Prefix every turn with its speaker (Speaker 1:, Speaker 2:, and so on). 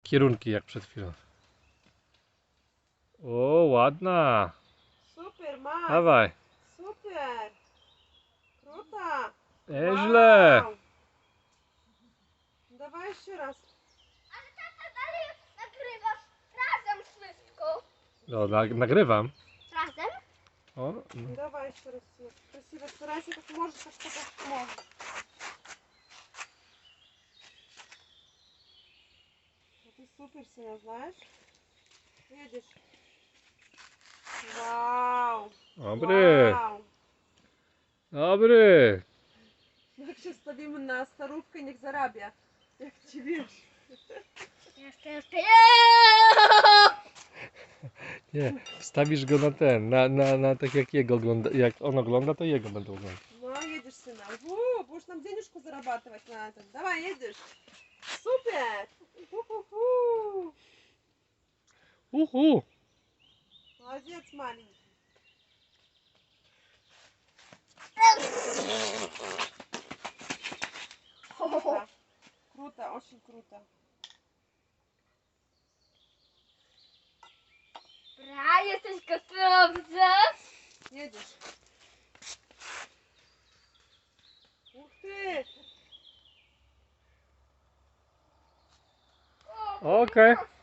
Speaker 1: kierunki jak przed chwilą. O, ładna.
Speaker 2: Super, Max.
Speaker 1: Dawaj.
Speaker 2: Super. Kruta.
Speaker 1: Nieźle.
Speaker 2: Wow. Dawaj jeszcze raz.
Speaker 3: Ale tata dalej nagrywasz razem wszystko.
Speaker 1: No, nagrywam.
Speaker 3: Razem?
Speaker 1: O, no.
Speaker 2: Давай еще раз. Красиво старайся, как можешь, как что можешь. Ну, ты супер сильно, знаешь? Видишь? Вау!
Speaker 1: Dobry.
Speaker 2: Вау!
Speaker 1: Dobry.
Speaker 2: Jak się stawimy na starówkę, niech zarabia. Jak ci wiesz.
Speaker 3: Jeszcze.
Speaker 1: Nie, wstawisz go na ten, na tak jak jego ogląda, jak on ogląda, to jego będą oglądać.
Speaker 2: No, едешь, сына. Будешь нам денежку зарабатывать на этом. Давай, едешь. Супер! Ху-ху-ху.
Speaker 1: Uhu.
Speaker 2: Молодец, маленький. Круто. Круто, очень круто.
Speaker 3: Bra, jesteś gotowy?
Speaker 2: Едешь. Ух ты!
Speaker 1: Okej.